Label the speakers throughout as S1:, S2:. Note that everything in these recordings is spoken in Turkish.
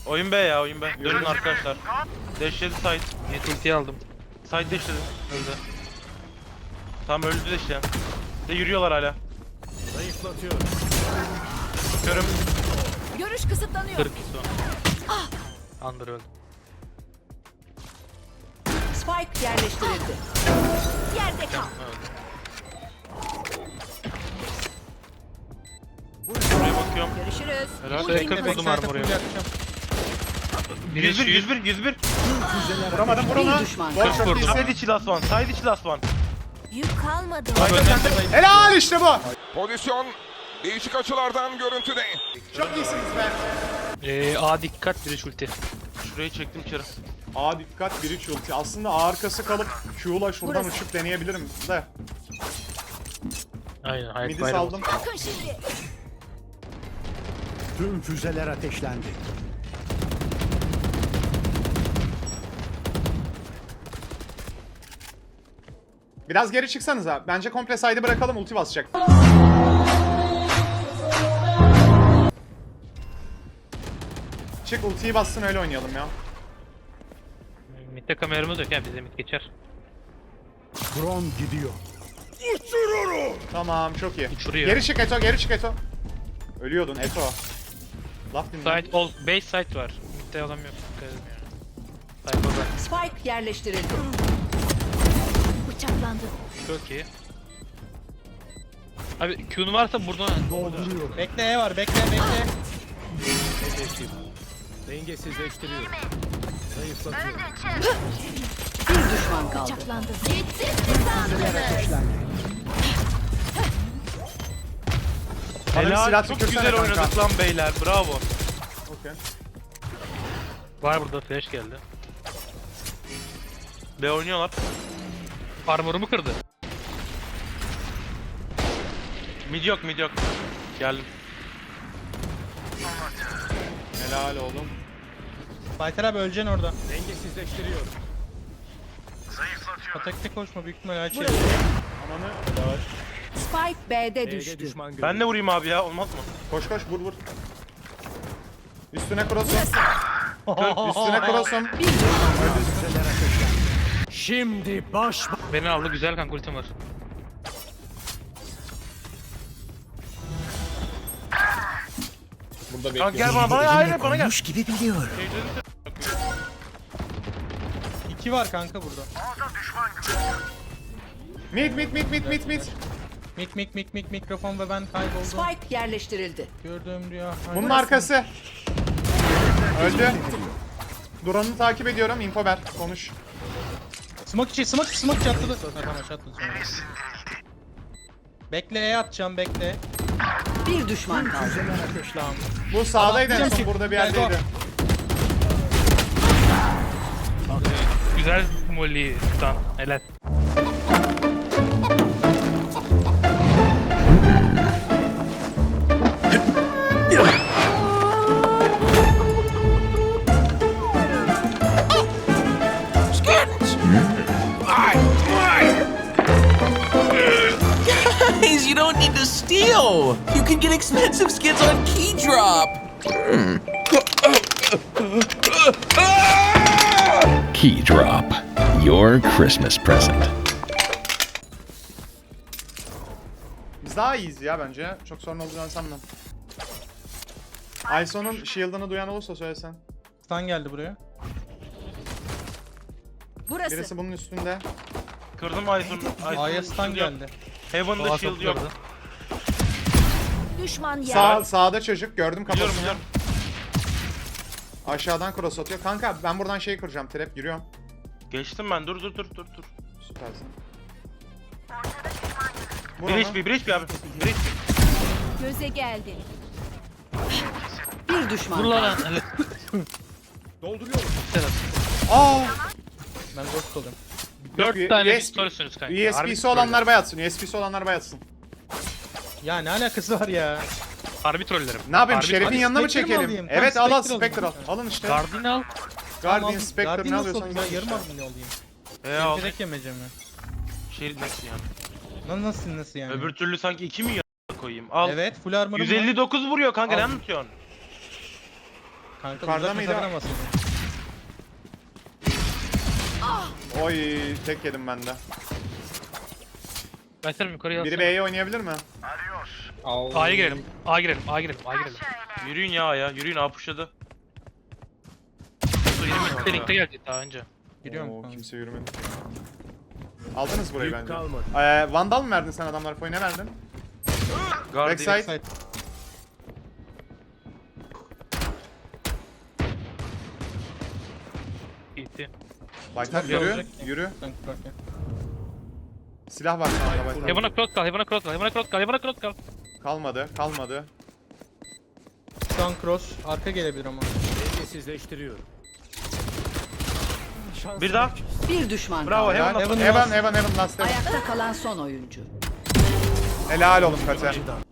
S1: Oyun B ya, oyun B. Dönün arkadaşlar. Dashledi side.
S2: Net ultiyi aldım.
S1: Side dashledi. Öldü. Tam öldü işte. De yürüyorlar hala.
S3: Zayıflatıyor.
S1: Körüm.
S4: Görüş kısıtlanıyor.
S2: 40 son. Under öldü.
S4: Spike yerleştirildi. Yerde kal.
S2: Öldü.
S1: Buraya bakıyorum.
S4: Görüşürüz.
S1: Helal.
S4: Ultim
S2: Yakın
S4: hazır.
S2: vurdum armor'u.
S1: 101, 101, 101.
S3: Vuramadım vur onu.
S4: Bir düşman
S3: Gol
S4: kaldı.
S3: çok
S2: Vurdum.
S3: iyisin.
S1: Side içi last one, side içi last one.
S4: Yük kalmadı.
S3: Helal işte bu.
S5: Pozisyon değişik açılardan görüntüde.
S3: Çok iyisiniz be.
S2: A dikkat biri ulti.
S1: Şurayı çektim içeri.
S3: A dikkat biri ulti. Aslında A arkası kalıp Q'la şuradan
S4: Burası.
S3: uçup deneyebilirim de.
S2: Aynen hayat
S3: Midi
S2: bayramı.
S3: saldım.
S4: Bakın şimdi.
S6: Tüm füzeler ateşlendi.
S3: Biraz geri çıksanız ha. Bence komple side'ı bırakalım, ulti basacak. Çık ultiyi bassın öyle oynayalım ya.
S2: Mid'de kameramız yok ya bize mid geçer.
S6: Drone gidiyor.
S3: Tamam çok iyi.
S2: Uçuruyor.
S3: Geri çık Eto, geri çık Eto. Ölüyordun Eto. Laf dinle.
S2: Side, base side var. Mid'de adam yok. Dikkat edin yani. Side orada.
S4: Spike yerleştirildi. Bıçaklandı.
S2: Çok iyi. Abi Q'nu varsa buradan
S6: Dolduruyor.
S7: Bekle E var bekle.
S3: Dengesizleştiriyor. Zayıflatıyor.
S4: Bir düşman kaldı. Bıçaklandı. Gitti.
S3: Bana bir
S1: Helal,
S3: silah
S1: çok
S3: tükürsene
S1: güzel
S3: kanka.
S1: oynadık lan beyler, bravo.
S3: Okey.
S2: var burada flash geldi.
S1: B oynuyorlar.
S2: Armor'umu kırdı.
S1: Mid yok, mid yok. Geldim.
S3: Helal oğlum.
S7: Fighter abi öleceksin orada.
S3: Dengesizleştiriyor.
S7: Atakta koşma büyük ihtimalle açıyor.
S3: Amanı. Helal.
S4: Spike B'de düştü.
S1: Ben de vurayım abi ya, olmaz mı?
S3: Koş koş vur vur. Üstüne cross'um. Üstüne cross'um.
S6: Şimdi baş
S2: Beni aldı güzel kanka ultim var.
S3: Burada
S1: Kanka
S3: bekliyorum.
S1: gel bana, hayır bana gel.
S6: gibi biliyor.
S7: İki var kanka burada.
S3: Mid mid mid mid mid mid.
S7: Mikrofon ve ben kayboldum.
S4: Spike yerleştirildi.
S7: Gördüğüm rüya.
S3: Bunun arkası. Öldü. Duran'ı takip ediyorum. Info ver. Konuş.
S7: Smoke çatladı. Ha, tamam çatladı sonra. Bekle E atacağım bekle.
S4: Bir düşman kaldı.
S7: Tamam.
S3: Bu sağdaydı en
S7: Atlayacağım
S3: son.
S7: ki.
S3: Burada bir
S7: Gel, go.
S3: yerdeydi.
S2: Güzel molly tutan. Helal.
S8: Guys, you don't need to steal. You can get expensive skins on Keydrop.
S9: Keydrop, your Christmas present.
S3: Biz daha iyiyiz ya bence. Çok sorun olacağını sanmam. Ayson'un shield'ını duyan olursa söylesen.
S7: Stun geldi buraya.
S4: Burası.
S3: Birisi bunun üstünde.
S1: Kırdım Aysun'u.
S7: A'ya stun geldi.
S1: Heaven'da
S2: Doğa
S1: shield yok.
S2: toplardı.
S4: Düşman yer.
S3: Sağda çocuk. Gördüm
S1: Biliyorum,
S3: kafasını.
S1: biliyorum.
S3: Aşağıdan cross atıyor. Kanka ben buradan şey kıracağım. Trap giriyorum.
S1: Geçtim ben, dur.
S3: Süpersin. Vur
S1: Bir
S3: onu.
S1: HP, bir HP abi. Bir HP.
S4: Göze geldi. Bir düşman
S2: Vur
S4: kaldı.
S2: lan. Helal.
S3: Aa!
S7: Ben ghost oluyorum.
S2: 4 tane
S3: USB
S2: pistolsünüz kanka. Harbi
S3: USB'si olanlar bayatsın. USB'si olanlar bayatsın.
S7: Ya ne alakası var ya?
S2: Harbi trollerim.
S3: Ne yapayım?
S2: Harbi
S3: Şeref'in
S2: troll.
S3: yanına mı
S7: Spectre mi
S3: çekelim?
S7: alayım?
S3: Evet
S7: Tamam,
S3: al al
S7: Spectre
S3: Spectre al.
S7: alayım.
S3: Alın işte.
S2: Guardian al.
S3: Guardian, Spectre ne alıyorsan
S7: Ben
S3: gel
S7: yarım
S3: işte.
S7: abone olayım.
S1: Al.
S7: Direkt yemeyeceğim ya.
S1: Şey nasıl yani?
S7: Lan nasıl yani?
S1: Öbür türlü sanki 2 mi koyayım? Al.
S7: Evet full armor'ım var.
S1: 159 vuruyor kanka, ne
S7: Al.
S1: anlatıyorsun?
S7: Kanka
S3: Yukarıda
S7: uzak
S3: mıydı?
S7: mesafeden basın.
S3: Oy tek yedim ben de.
S2: Başlarım yukarıya
S3: Biri
S2: alsana.
S3: B'ye oynayabilir mi?
S2: A'ya girelim. A'ya girelim. A'ya girelim. A'ya girelim.
S1: Yürüyün ya. Yürüyün A pushladı.
S2: Benim linkte gelecek daha önce.
S7: Giriyorum
S3: Oo,
S7: kanka.
S3: kimse yürümedi. Aldınız burayı
S6: Yük
S3: bence.
S6: kalmadı.
S3: Vandal mı verdin sen adamlara? Foy ne verdin?
S1: Guard
S3: Backside.
S7: Backside.
S2: Gitti.
S3: Baytar
S7: Yok,
S3: yürü.
S7: olacak ya.
S3: Yürü.
S7: Sen kurarken.
S3: Silah var sana Baytar.
S2: Heaven'a cross kal. Heaven'a cross kal. Heaven'a cross kal. Heaven'a cross kal.
S3: Kalmadı. Kalmadı.
S7: Şu an cross. Arka gelebilir ama.
S6: Dengesizleştiriyorum.
S1: Bir daha.
S4: Bir düşman
S1: Bravo
S4: kaldı.
S1: Heaven.
S7: Heaven
S3: Evan, Evan, Evan, last Evan.
S4: Ayakta kalan son oyuncu.
S3: Helal oğlum Kate.
S6: Açıdan.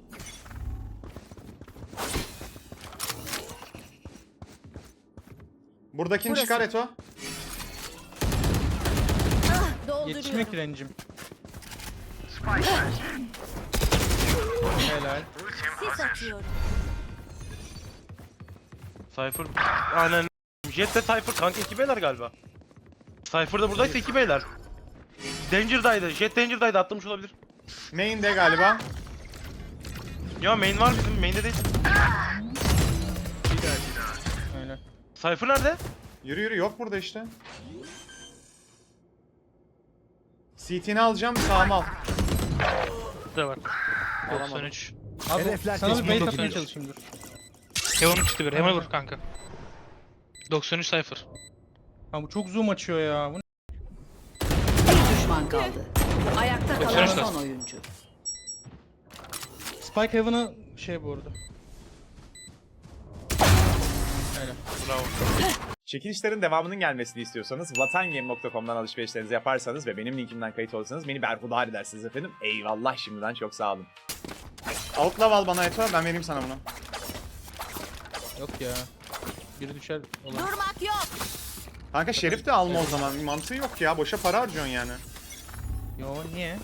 S3: Buradakini çıkar Eto.
S7: Yetişmek direncim. Helal.
S1: Cypher. Aynen. Jet de Cypher kanka 2 beyler galiba. Cypher da buradaysa 2 beyler. Danger'daydı. Jet Danger'daydı atlamış olabilir.
S3: Main'de galiba.
S1: Ya main var bizim. Main'de değil.
S7: Öyle.
S1: Cypher nerede?
S3: Yürü yürü yok burada işte. CT'ni alacağım sağıma al.
S2: Burada var.
S3: Alamadım.
S2: 93.
S7: Abi
S6: Hedefler
S7: sana bir
S6: tespit
S7: bait
S6: edildi.
S7: atmaya çalışayım dur.
S2: Heaven'a çıktı bir. Heaven'a vur kanka. 93 Cypher.
S7: Ha bu çok zoom açıyor ya. Bu ne?
S4: Bir düşman kaldı. Ayakta kalan
S2: Görüşürüz.
S4: son oyuncu.
S7: Spike Heaven'a şey bu arada. Öyle.
S1: Bravo.
S10: Çekilişlerin devamının gelmesini istiyorsanız vatangame.com'dan alışverişlerinizi yaparsanız ve benim linkimden kayıt olursanız beni berhudar edersiniz efendim. Eyvallah şimdiden çok sağ olun.
S3: Outlaw al bana Eto ben vereyim sana bunu.
S7: Yok ya. Biri düşer. Olan.
S4: Durmak yok.
S3: Kanka Şerif de alma o zaman. Mantığı yok ya. Boşa para harcıyorsun yani.
S7: Yo niye?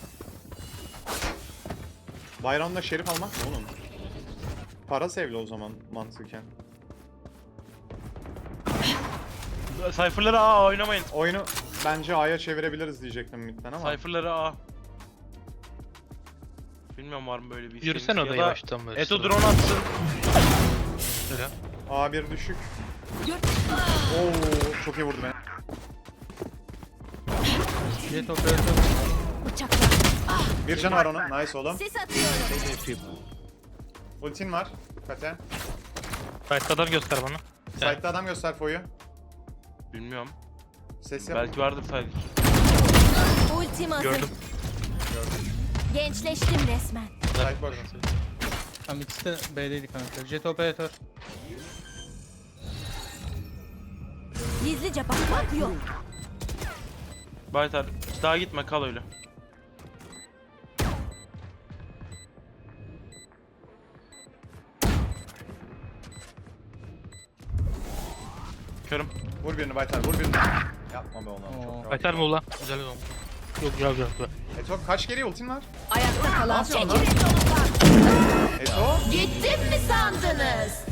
S3: Bayramda Şerif almak mı oğlum? Para sevli o zaman mantıken.
S1: Cypher'ları A oynamayın.
S3: Oyunu bence A'ya çevirebiliriz diyecektim midden ama.
S1: Cypher'ları A. Bilmiyorum var mı böyle bir
S2: Yürüsene
S1: şeyiniz?
S2: orada
S1: Ya da
S2: yavaştan böyle.
S1: Eto drone atsın.
S2: Öyle.
S3: A1 düşük. Oo çok iyi vurdu beni.
S7: Jet operatör.
S3: Bir can var onun. Nice oğlum.
S4: Sis atıyorum.
S6: Hedefim.
S3: Ultin var. Kate.
S2: Başka adam göster bana.
S3: Side'da adam göster Foy'u.
S1: Bilmiyorum.
S3: Ses yap.
S1: Belki vardır sadece.
S4: Ultim hazır.
S2: Gördüm.
S4: Gençleştim resmen.
S3: Side boş.
S7: Tamam ikisi de B'deydi kanka. Jet operatör.
S4: Gizlice bakmak yok.
S1: Baytar daha gitme kal öyle. Körüm.
S3: Vur birini Baytar vur birini. Yapma be onu.
S7: Oo.
S3: Çok rahat.
S2: Baytar mı ulan? Güzel oldu. Yok güzel güzel güzel.
S3: Eto kaç kere ultin var?
S4: Ayakta kalan son
S3: yapıyorsun
S4: oyuncu.
S3: Eto.
S4: Gittim mi sandınız?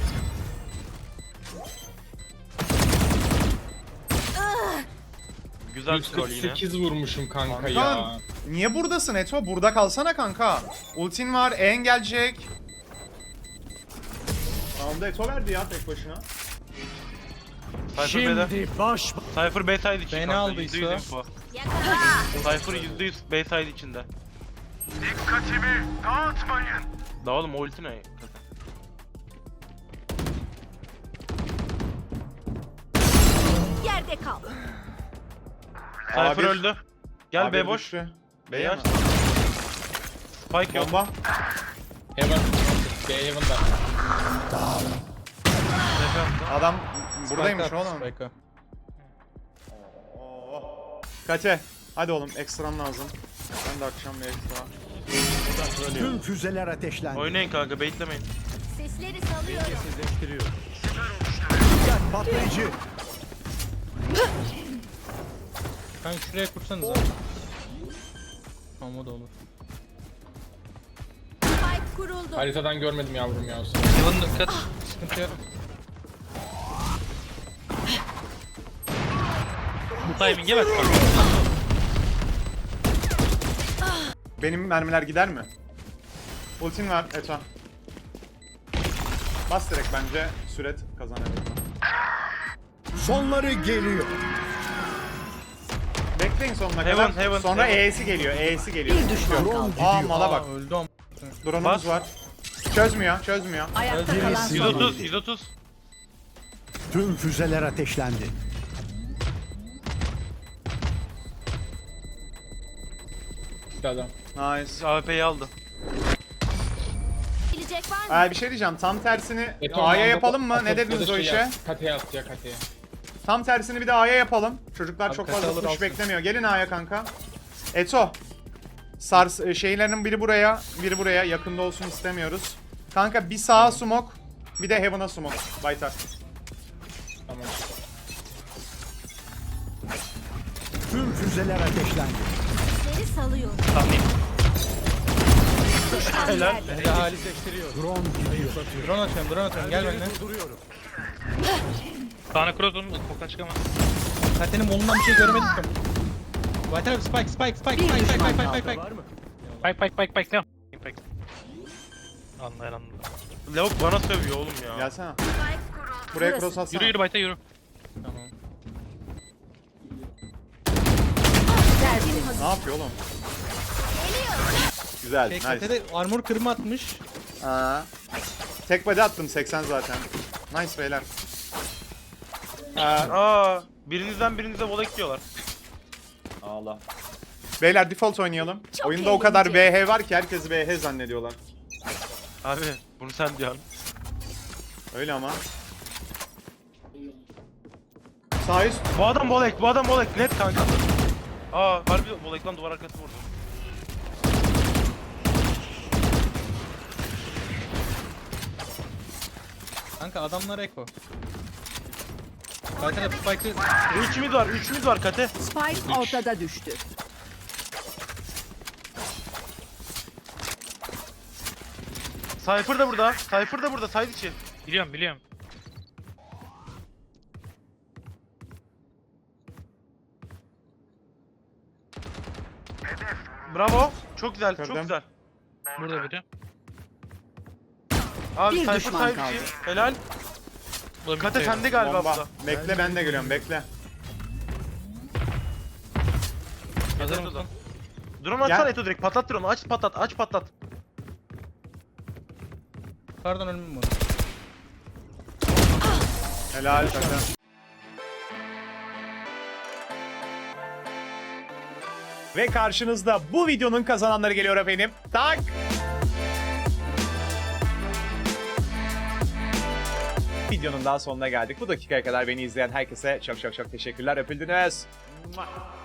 S1: Güzel skor yine.
S5: vurmuşum kanka
S3: Kanka niye buradasın Eto? Burada kalsana kanka. Ultin var, en gelecek. Round'da Eto verdi ya tek başına.
S1: Cypher B'de.
S6: Şimdi baş
S1: Cypher B side için
S7: Beni
S1: kanka,
S7: aldıysa.
S1: %100 info. Cypher %100 B side içinde. Dikkatimi dağıtmayın. Da oğlum o ulti ne?
S4: Yerde kal.
S1: Cypher
S3: A1.
S1: öldü. Gel
S3: Abi
S1: B boş.
S3: düştü.
S1: B'yi
S3: B'ye
S1: aç.
S3: mi?
S1: Spike yok.
S3: Bomba.
S5: Heaven. B Heaven'da.
S3: Adam buradaymış
S7: Spike at,
S3: oğlum.
S7: Spike at.
S3: Oo. Kate. Hadi oğlum ekstram lazım. Ben de akşam bir ekstra.
S6: tüm füzeler ateşlendi.
S1: Oynayın kanka baitlemeyin.
S4: Sesleri salıyorum.
S6: Dengesizleştiriyorum. Dikkat patlayıcı.
S7: Kanka şuraya kursanıza. Tamam o da olur.
S4: Spike kuruldu.
S5: Haritadan görmedim yavrum ya.
S2: Heaven'a dikkat.
S7: Sıkıntı yok.
S2: timing'e bak.
S3: Benim mermiler gider mi? Ultin var Eto. Bas direkt bence. Süret kazanır.
S6: Sonları geliyor.
S3: Bekleyin sonuna
S1: Heaven,
S3: kadar.
S1: heaven,
S3: Sonra
S1: heaven.
S3: E'si geliyor. E'si geliyor.
S4: Bir düşman kaldı.
S3: Aa mala bak.
S7: Öldü ama.
S3: Drone'umuz var. Çözmüyor, çözmüyor.
S4: Ayakta kalan son
S1: 130,
S4: oyuncu.
S1: 130.
S6: Tüm füzeler ateşlendi.
S5: Bir adam.
S3: Nice.
S1: AWP'yi aldı.
S4: Gelecek var mı?
S3: Bir şey diyeceğim. Tam tersini
S5: Beton
S3: A'ya
S5: anda
S3: yapalım mı?
S5: atıp
S3: Ne dediniz
S5: ya da
S3: o
S5: şey
S3: işe?
S5: yap, Kateye at ya kateye.
S3: Tam tersini bir de A'ya yapalım. Çocuklar
S7: Abi
S3: çok
S7: kasa
S3: fazla
S7: alır
S3: push
S7: alsın.
S3: beklemiyor. Gelin A'ya kanka. Eto. Şeylerin biri buraya, biri buraya. Yakında olsun istemiyoruz. Kanka bir sağa smoke, bir de Heaven'a smoke. Baytar.
S5: Tamam.
S6: Tüm füzeler ateşlendi.
S4: Seni salıyor.
S1: Helal.
S6: Drone gidiyor.
S7: Drone atıyorum gel benimle.
S6: Durduruyorum.
S2: Kaan'a cross onun koktan çıkamaz.
S7: Kate'nin molundan bir şey göremedik ki. White abi spike.
S4: Bir düşman kaldı.
S2: Pike ne? Pike. Anlayan anladı.
S1: Lavuk bana sövüyor oğlum ya.
S3: Gelsene. Buraya
S4: Burası.
S3: cross atsana.
S2: Yürü Bayta yürü.
S7: Tamam.
S4: Tertemiz.
S3: Ne yapıyor oğlum? Güzel,
S7: Şey
S3: nice.
S7: Kate'de armor kırma atmış.
S3: Aa. Tek body attım 80 zaten. Nice beyler.
S1: Birinizden birinize vola gidiyorlar.
S3: Allah. Beyler default oynayalım.
S4: Çok
S3: Oyunda o kadar
S4: eğlenceli.
S3: VH var ki herkes VH zannediyorlar.
S1: Abi bunu sen diyorsun.
S3: Öyle ama. Sağ üst.
S1: Bu adam volek net kanka. Harbi volek lan, duvar arkası vurdu.
S7: Kanka adamlar eko. White abi spike'ı
S1: 3 mid var Kate.
S4: Spike ortada düştü.
S1: Cypher da burada, side içi.
S2: Biliyorum.
S1: Bravo. Çok güzel, çok
S3: Kırdım.
S1: güzel.
S2: Burada biri.
S1: Abi
S4: Bir
S1: Cypher
S4: düşman
S1: side
S4: kaldı.
S1: içi. Helal.
S2: Bu da
S1: Kate
S2: midde.
S1: sende galiba
S3: Bomba.
S1: burada.
S3: Bekle ben de geliyorum bekle.
S2: Hazır
S1: Yeter
S2: mısın?
S1: o da. Drone atsana
S3: Gel.
S1: Eto direkt, patlat drone'u, aç patlat.
S7: pardon ölümüm var.
S3: Helal takım. Ve karşınızda bu videonun kazananları geliyor efendim. Tak! Videonun daha sonuna geldik. Bu dakikaya kadar beni izleyen herkese çok teşekkürler. Öpüldünüz.